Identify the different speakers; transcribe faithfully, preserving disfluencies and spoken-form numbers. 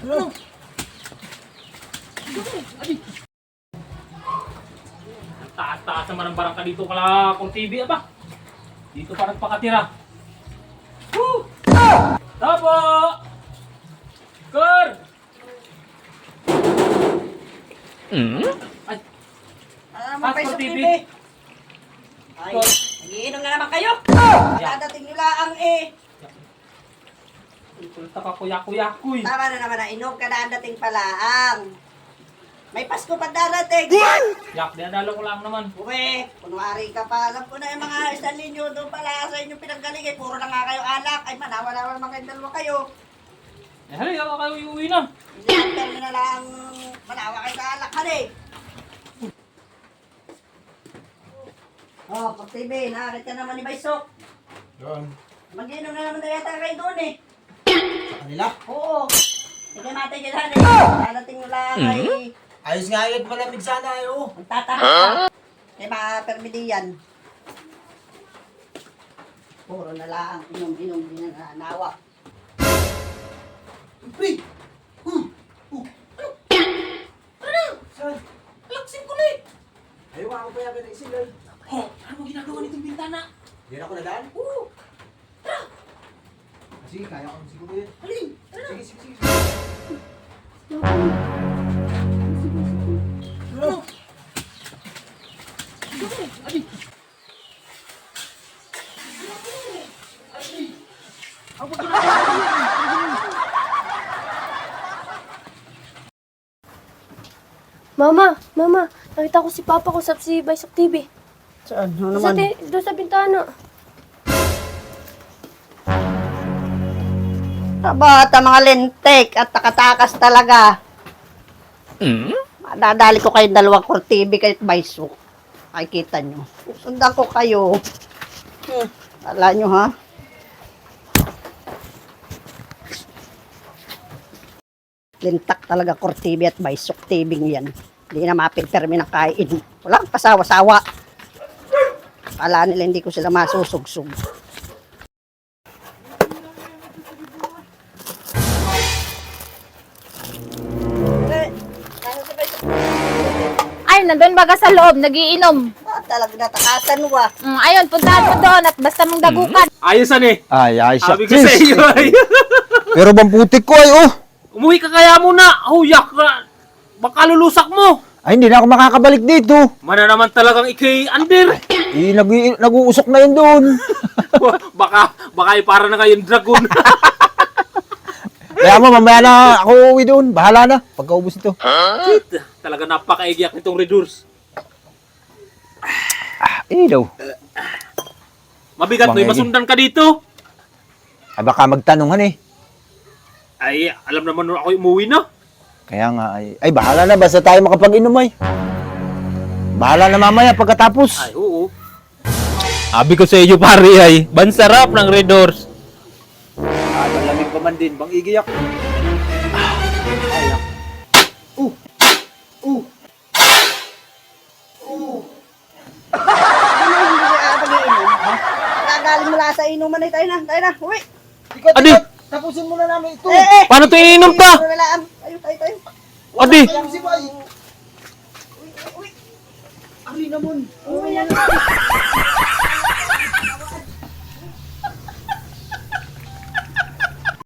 Speaker 1: Ano? Ang taas-taas naman ang barangka dito kala kung T V ba? Dito pa nagpakatira. Woo! Tapo! Kurt!
Speaker 2: Hmm?
Speaker 1: Ay,
Speaker 3: Ano naman
Speaker 1: Passport
Speaker 3: pa
Speaker 1: T V.
Speaker 3: T V? Ay,
Speaker 1: Kurt.
Speaker 3: nagiinom na naman kayo.
Speaker 1: Yeah.
Speaker 3: Dadating nila ang eh.
Speaker 1: Kulta ka kuya-kuya-kuy.
Speaker 3: Tama na naman na inom ka na ang dating palaang. May Pasko pa darating.
Speaker 1: Yak, dinadalo ko lang naman.
Speaker 3: Uwe, kunwari ka pa. Alam ko na yung mga isang linyo doon pala sa inyong pinanggaling. Eh, puro na nga kayo alak. Ay, manawa-nawa naman kayong dalawa kayo.
Speaker 1: Eh, halika ka kayo iuwi na.
Speaker 3: Ilantar na lang manawa kayo sa alak. Hali. Oh, Pag T V, nakakita ka naman ni Baysok.
Speaker 4: Doon.
Speaker 3: Mag-inom na naman na yata kayo doon eh.
Speaker 4: Sa kanila?
Speaker 3: Oo. Sige natin yun, Hali. Dadating mo lang ay
Speaker 4: Ayos nga yun, malamig sana eh, oh.
Speaker 3: magtataka. Kaya mga permidiyan. Puro na lang. Inom-inom din na nanawa.
Speaker 4: Pre! Hmm! Oh! Ano? Ano? Saan?
Speaker 1: Alaksin ko na eh.
Speaker 4: Ayaw ako pa yakin na isilay.
Speaker 1: Oh, ano mo ginagawa nitong bintana?
Speaker 4: Hindi na ako nadaan?
Speaker 1: Oo.
Speaker 4: Ah, sige, kaya ko siguro yun.
Speaker 1: Halin.
Speaker 4: Sige, sige, sige.
Speaker 1: Ano? Adi. Ako
Speaker 5: Mama, mama, nakita ko si Papa ko sa si Baysok T V.
Speaker 3: Saan? Ano
Speaker 5: Sa te, doon sa bintana.
Speaker 3: Bata mga lentek at takatakas talaga.
Speaker 2: Hmm?
Speaker 3: Madadali ko kayo dalawang core T V kahit Baysok. Makikita nyo. Sundan ko kayo. Hmm. Wala nyo ha? Lintak talaga core T V at Baysok T V yan. Hindi na mapintermin ang kain. Walang pasawa-sawa. Kala nila hindi ko sila masusugsug. Eh, ano si Baysok?
Speaker 6: Ay, nandun baga sa loob, nagiinom.
Speaker 3: Ah, talaga natakasan wa.
Speaker 6: Mm, ayun, puntahan mo doon at basta mong dagukan.
Speaker 1: Ayosan eh.
Speaker 2: Ay, ay, siya.
Speaker 1: Sabi ko sa iyo ay.
Speaker 2: Pero bang putik ko ay, oh.
Speaker 1: Umuwi ka kaya muna. Huyak ka. Baka lulusak mo.
Speaker 2: Ay, hindi na ako makakabalik dito.
Speaker 1: Mana naman talagang ikay under.
Speaker 2: Eh, nag nag-uusok na yun doon.
Speaker 1: baka, baka ay para na kayong dragon.
Speaker 2: Kaya mo, mamaya na ako uwi doon. Bahala na, pagkaubos ito.
Speaker 1: Talaga napakaigyak nitong Redurs.
Speaker 2: Ah, eh daw.
Speaker 1: Mabigat no,
Speaker 2: Bangegi.
Speaker 1: masundan ka dito.
Speaker 2: Ay, baka magtanungan eh.
Speaker 1: Ay, alam naman nun ako umuwi na.
Speaker 2: Kaya nga, ay, ay bahala na, basta tayo makapag-inom ay. Bahala na mamaya pagkatapos.
Speaker 1: Ay, oo.
Speaker 7: Abi ko sa iyo pare ay, bansarap ng Red Doors.
Speaker 4: Ah, malamig pa man din, bang igiyak. Ayak. Uh! Uh! Uh!
Speaker 3: Ano hindi ka pag-iinom? Ha? Gagaling mula sa inuman ay tayo na. Tayo na. Uwi.
Speaker 4: Ikaw,
Speaker 7: Adi!
Speaker 4: ikaw, tapusin muna namin ito.
Speaker 3: Eh, eh.
Speaker 7: Paano ito iniinom ta?
Speaker 3: Ano na lang. Tayo, tayo, tayo.
Speaker 7: Adi!
Speaker 4: Ayan si Bay. Ari naman.
Speaker 3: Uwi yan.